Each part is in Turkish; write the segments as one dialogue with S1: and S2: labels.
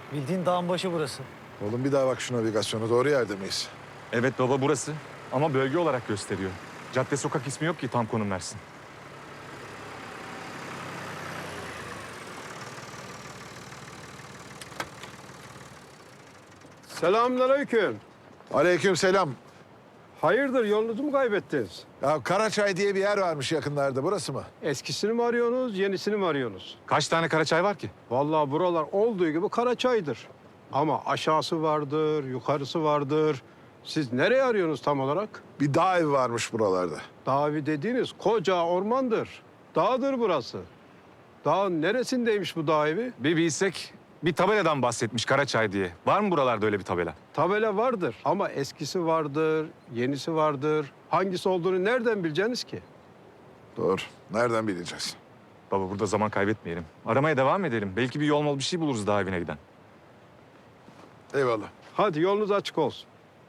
S1: Bildiğin dağın başı burası.
S2: Oğlum bir daha bak şu navigasyona. Doğru yerde miyiz?
S3: Evet baba burası. Ama bölge olarak gösteriyor. Cadde sokak ismi yok ki tam konum versin.
S4: Selamünaleyküm.
S2: Aleykümselam.
S4: Hayırdır, yolunuzu mu kaybettiniz?
S2: Ya Karaçay diye bir yer varmış yakınlarda. Burası mı?
S4: Eskisini mi arıyorsunuz, yenisini mi arıyorsunuz?
S3: Kaç tane Karaçay var ki?
S4: Vallahi buralar olduğu gibi Karaçay'dır. Ama aşağısı vardır, yukarısı vardır. Siz nereye arıyorsunuz tam olarak?
S2: Bir dağ evi varmış buralarda.
S4: Dağ dediğiniz koca ormandır. Dağdır burası. Dağın neresindeymiş bu dağ evi?
S3: Bir bilsek bir tabeladan bahsetmiş Karaçay diye. Var mı buralarda öyle bir tabela?
S4: Tabela vardır ama eskisi vardır, yenisi vardır. Hangisi olduğunu nereden bileceksiniz ki?
S2: Doğru. Nereden bileceğiz?
S3: Baba burada zaman kaybetmeyelim. Aramaya devam edelim. Belki bir yol mol bir şey buluruz daha evine giden.
S2: Eyvallah.
S4: Hadi yolunuz açık olsun.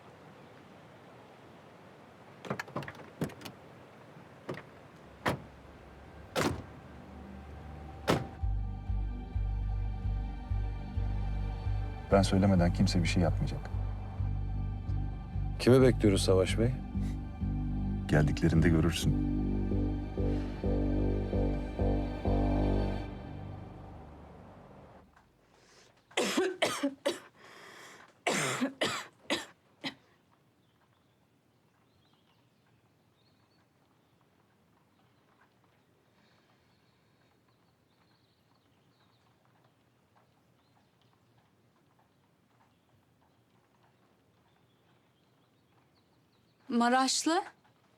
S5: Ben söylemeden kimse bir şey yapmayacak.
S6: Kimi bekliyoruz Savaş Bey?
S5: Geldiklerinde görürsün.
S7: Maraşlı.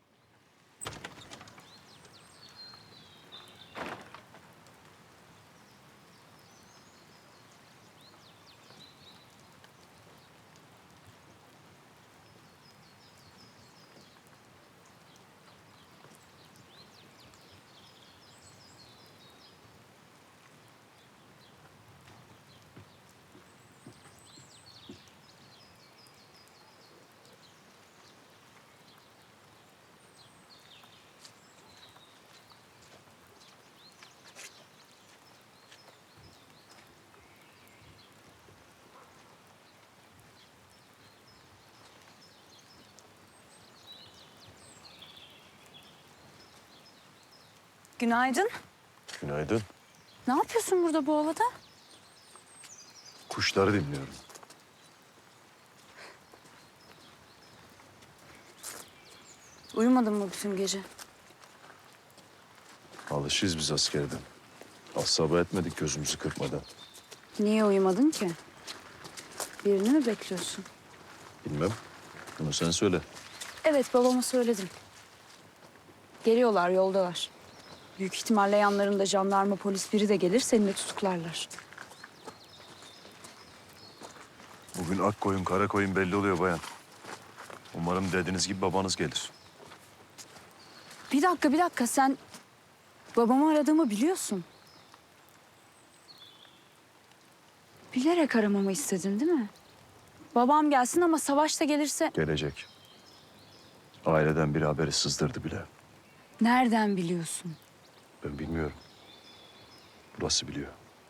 S7: Günaydın.
S6: Günaydın.
S7: Ne yapıyorsun burada bu ovada?
S6: Kuşları dinliyorum.
S7: Uyumadın mı bütün gece?
S6: Alışıyız biz askerden. Asabı etmedik gözümüzü kırpmadan.
S7: Niye uyumadın ki? Birini mi bekliyorsun?
S6: Bilmem. Bunu sen söyle.
S7: Evet, babama söyledim. Geliyorlar, yoldalar. Büyük ihtimalle yanlarında jandarma, polis biri de gelir, seni de tutuklarlar.
S6: Bugün ak koyun kara koyun belli oluyor bayan. Umarım dediğiniz gibi babanız gelir.
S7: Bir dakika, sen babamı aradığımı biliyorsun. Bilerek aramamı istedin değil mi? Babam gelsin ama Savaş da gelirse...
S6: Gelecek. Aileden biri haberi sızdırdı bile.
S7: Nereden biliyorsun?
S6: Ben bilmiyorum. Burası biliyor.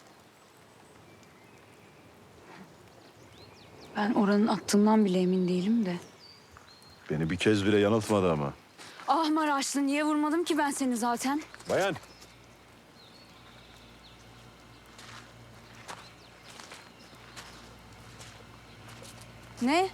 S7: Ben oranın attığından bile emin değilim de.
S6: Beni bir kez bile yanıltmadı ama.
S7: Ah Maraşlı, niye vurmadım ki ben seni zaten?
S6: Bayan.
S7: Ne?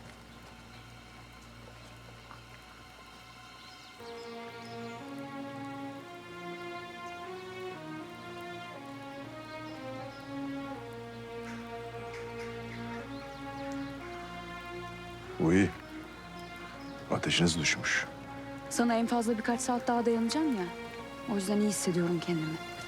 S6: Bu iyi. Ateşiniz düşmüş.
S7: Sana en fazla birkaç saat daha dayanacağım ya. O yüzden iyi hissediyorum kendimi.